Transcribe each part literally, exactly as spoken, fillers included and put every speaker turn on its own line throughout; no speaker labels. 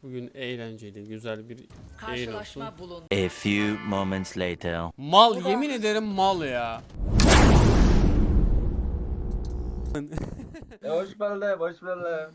Bugün eğlenceli, güzel bir yayın olsun.
A few moments later.
Mal, yemin ederim mal ya.
E, hoş bulduk, hoş bulduk.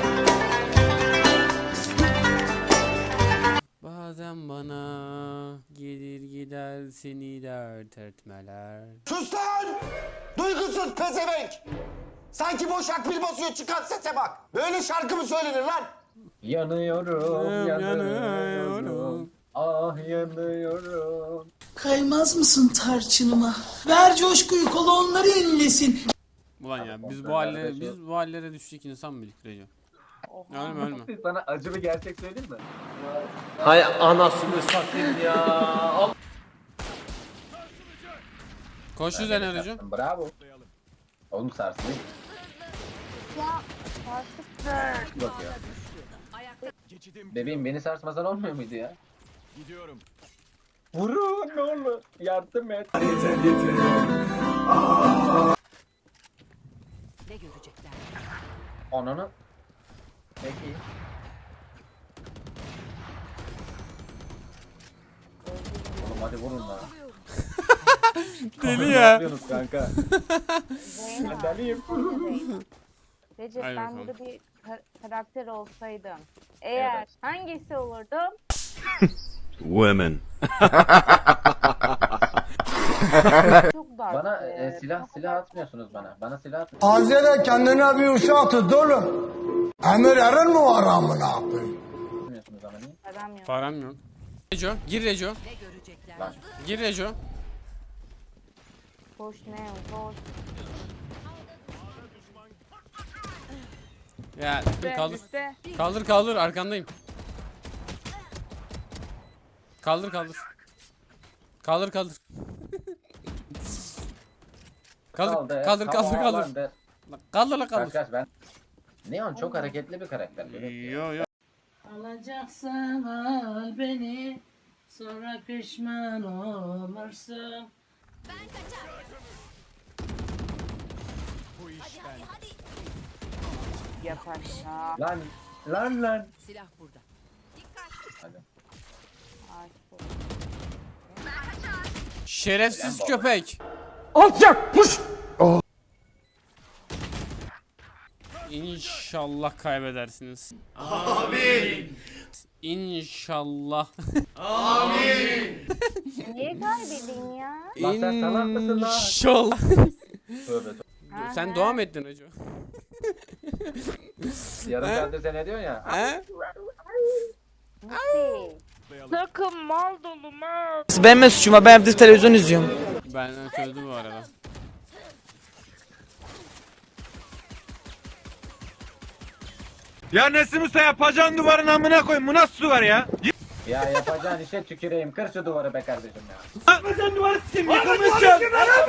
Bazen bana gelir gider seni dert etmeler.
Sus lan! Duygusuz pezevenk! Sanki boş akbil basıyor, çıkan sese bak. Böyle şarkı mı söylenir lan?
Yanıyorum,
Yanıyorum.
yanıyorum. Ah yanıyorum.
Kaymaz mısın tarçınıma? Ver coşkuyu, kolonları inlesin.
Ulan ya biz bu hallere biz bu hallere düştük insan mıydık Recep? Ölme ölme.
Sana acı bir gerçek söyleyeyim mi?
Hay anasını satayım ya. Al.
Koş üzerine Recep.
Bravo. Oğlum sarsın.
Ya artık
Bak ya. Bebeğim beni sarsmasan olmuyor muydu ya?
Gidiyorum.
Vurun ne olur. Yardım et.
Ne görecekler?
Ananı. Peki. Oğlum hadi vurun lan.
Deli
Ne
ya.
yapıyorsunuz kanka?
Zeyna.
Ben deliyim.
Recep
Haydi
ben
bakalım.
burada bir ka- karakter olsaydım. Eğer
Evet.
hangisi olurdum?
Women.
Çok dark.
Bana
be.
e, silah
Çok
silah
dark.
atmıyorsunuz bana. Bana silah atmıyorsunuz.
Azere kendine bir uşak tut oğlum. Emir erin mi var amına koyayım?
ama niye?
Param yok.
Param yok. Reco gir Reco.
Ne görecekler?
Lan.
Gir Reco.
Koş ne koş.
Ya
Üste,
kaldır.
üste.
Kaldır kaldır arkandayım. Kaldır kaldır. Kaldır kaldır. Kaldır
Kaldı.
kaldır kaldır kaldır.
Havalandı.
Kaldır la
Kaç
kaldır.
kaç ben. Neon çok hareketli bir karakter. Böyle.
Yo yo.
Alacaksan al beni, sonra pişman olursun.
Yap aşağı.
Lan lan lan.
Silah burada.
Hadi.
Ay, koş.
Şerefsiz köpek. İnşallah kaybedersiniz. Amin. İnşallah.
Niye kaybedeyim ya?
Lan sen salak mısın lan?
İnşallah.
Tövbe tövbe.
Ha,
Sen
ha.
dua mı ettin Recep?
Yarım
He?
saattir sen ne diyorsun ya?
He?
Nasıl? Sakın mal dolu mal.
Benim ne suçum var? Ben evde televizyon izliyorum.
Ben çözdüm bu arada.
Ya Nesim Usta yapacağın duvarın amına koyayım. Bu nasıl duvar ya?
Ya yapacağın işe tüküreyim. Kır şu duvarı be kardeşim ya.
Yapacağın duvarı sikeyim. Yıkılmışsın.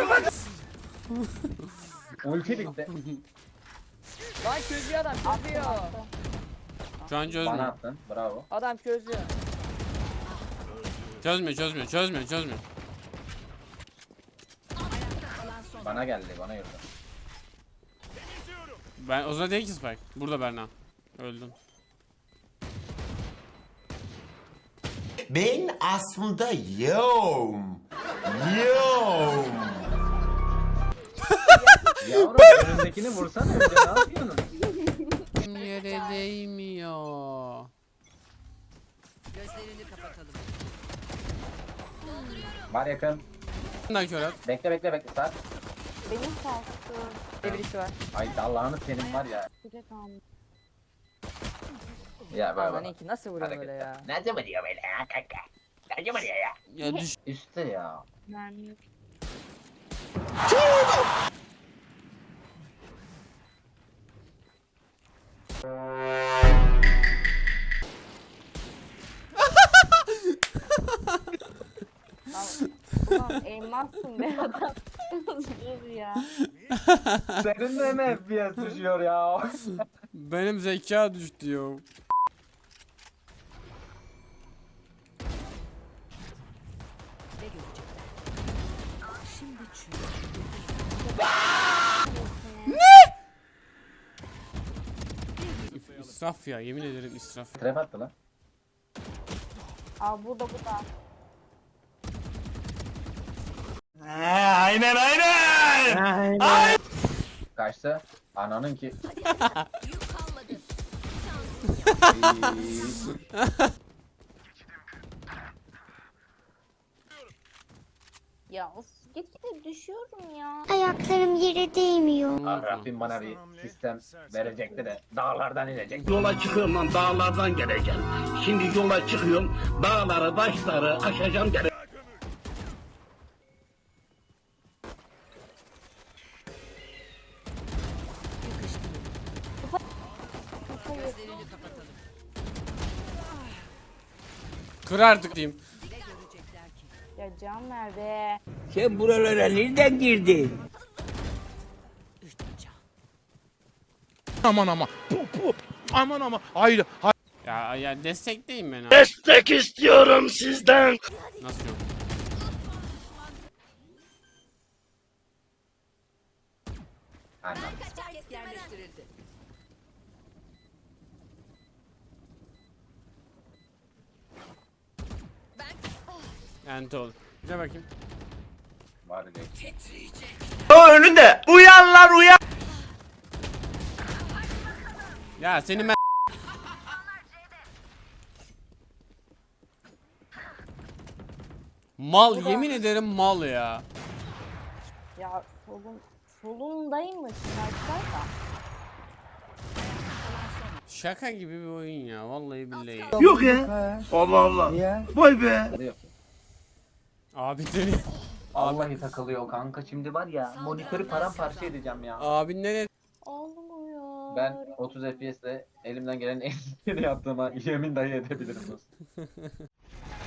Ulti bitti.
Lan çözüyor adam çözüyor.
Şu an
Bana
çözmüyor.
attın. Bravo.
Adam çözüyor.
Çözmüyor çözmüyor çözmüyor çözmüyor.
Bana geldi. Bana yürüdü.
Ben o zaman değil ki Spike. Burada Berna. Öldüm.
Ben aslında yoğum. Yoğum.
Yavrum önündekini vursana önce ne yapıyorsun?
Yere değmiyor.
Gözlerini kapatalım.
Var yakın.
Bundan kör at.
Bekle bekle bekle. Sar.
Benim sarstı.
Bir birisi var.
Ay Allah'ını senin var ya.
Güzel kalmış.
Ya böyle
Aman
bak.
iyi ki nasıl vuruyor böyle ya.
Ne zaman diyor böyle ya kanka? Ne zaman diyor ya?
Ya düş.
Üstte ya.
Mermi yok. Lan, ulan elmassın be adam. Dur ya.
Senin de mi F P S düşüyor ya?
Benim zeka düştü yo.
Ne görecekler? Şimdi çürü.
İsraf ya yemin ederim israf.
Trap attı lan.
Aa burada burada.
Aynen aynen.
Kaçtı. Ananın ki.
Ya of gitgide düşüyorum ya.
Ayaklarım yere değmiyor.
Ah, Rabbim bana bir sistem verecekti de dağlardan inecek.
Yola çıkıyorum lan dağlardan geleceğim. Şimdi yola çıkıyorum dağları taşları aşacağım gele.
Gözlerini kapatalım.
Kır artık diyeyim.
Ne görecekler ki?
Ya can nerede?
Sen buralara nereden girdin?
Üç can.
Aman aman. Pu, pu. Aman aman. Hayır. hayır.
Ya ya destekleyin beni abi.
Destek istiyorum sizden.
Nasıl yok?
Anam.
Yerleştirildi.
Enti ol. Gel bakayım.
Var değil.
O önünde. Uyan lan uyan.
Ya seni ben... Mal, yemin ederim mal ya.
Ya solun solundaymış Sniper'da.
Şaka gibi bir oyun ya, vallahi billahi.
Yok ya. Allah Allah. Vay be.
Takılıyor.
Abi seni...
Vallahi takılıyor kanka. Şimdi var ya monitörü paramparça edeceğim ya.
Abi ne?
Olmuyor.
Ben otuz F P S'le elimden gelen en iyisini yaptığıma yemin dahi edebilirim dostum.